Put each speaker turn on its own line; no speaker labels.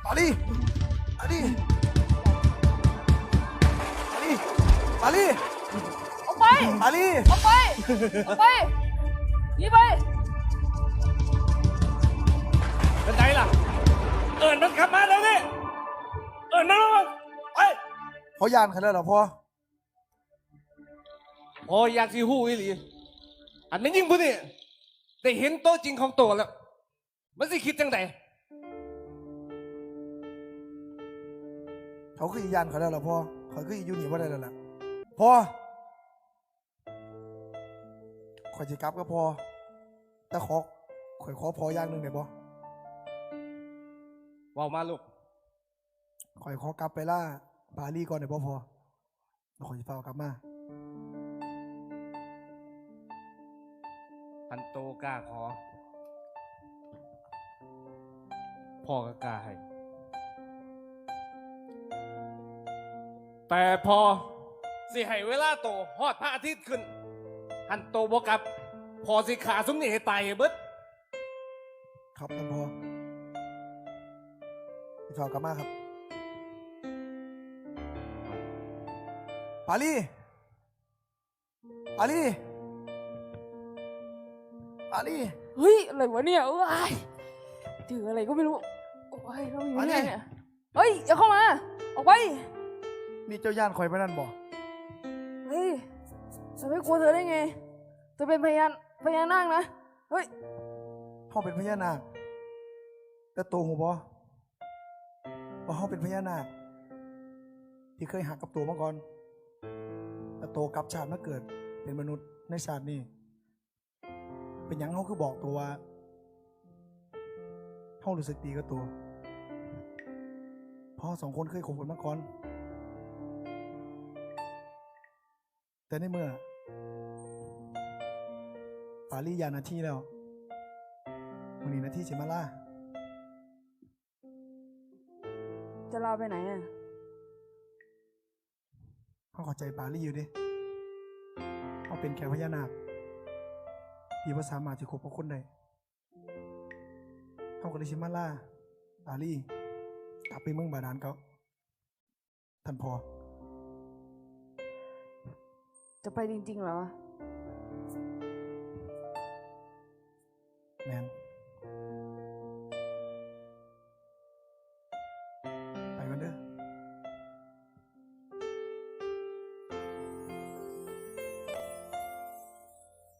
าลีมาลีมาลีมาลี
ออกไป
มาลี
ออกไปออกไปหนีไป
เป็นไงล่ะเอิญมันกลับมาแล้วนี่เอิญมันมาไป
พอยานขนาดเหรอพ่อ
พออยากสิหู้อีหลีอันนี้ยิ่งพูดนี่ได้เห็นโตวจริงของตัวแล้ว มันสิคิดจังได
เขาคืออียานขนาดเหรอพ่อเขาคืออียูนี่ว่าได้แล้วล่ะพ่อขอจะกลับก็พอแต่ขอพออย่างหนึ่งได้บ่
เว้ามาลูก
ขอกลับไปล่าปารีก่อนได้บ่พอแล้วขอจะพากลับมา
พันโตกล้าขอพ่อก็กล้าให้ แต่พอสิให้เวลาโตฮอดพระอาทิตย์ขึ้นหันโตบกลับ พอสิขาสุมนี่ให้ตายให้เบิด
ครับท่านพ่อจะพากลับมาครับปารีปารีปารี
เฮ้ยอะไรวะเนี่ยเอ้ยถืออะไรก็ไม่รู้โอ้ยเราอยู่ที่ไหนเนี่ยเฮ้ยอย่าเข้ามาออกไป
นี่เจ้าย่านคอยไปนั่นบ่
เฮ้ยฉันไม่กลัวเธอได้ไงเธอเป็นพญานาคนะเฮ้ย
ห้องเป็นพญานาคแต่ตัวหูบ่ว่าห้องเป็นพญานาคที่เคยหักกับตัวมาก่อนแต่โตกลับชาติมาเกิดเป็นมนุษย์ในชาตินี้เป็นหยังเขาคือบอกตัวว่าเขารู้สึกดีกับตัวพ่อสองคนเคยคบกันมาก่อนแต่ในเมื่อปารียานาทีแล้ววันนี้นาทีสิมาล่า
จะลาไปไหนอ่ะ
เขาเข้าใจปารีอยู่ดิเขาเป็นแค่พญานาคที่ว่าสามารถที่คบกับคนได้เขาก็เลยชิมาล่าปารีกลับไปเมืองบาดาลเขาท่านพอ
จะไปจริงๆเหรอวะ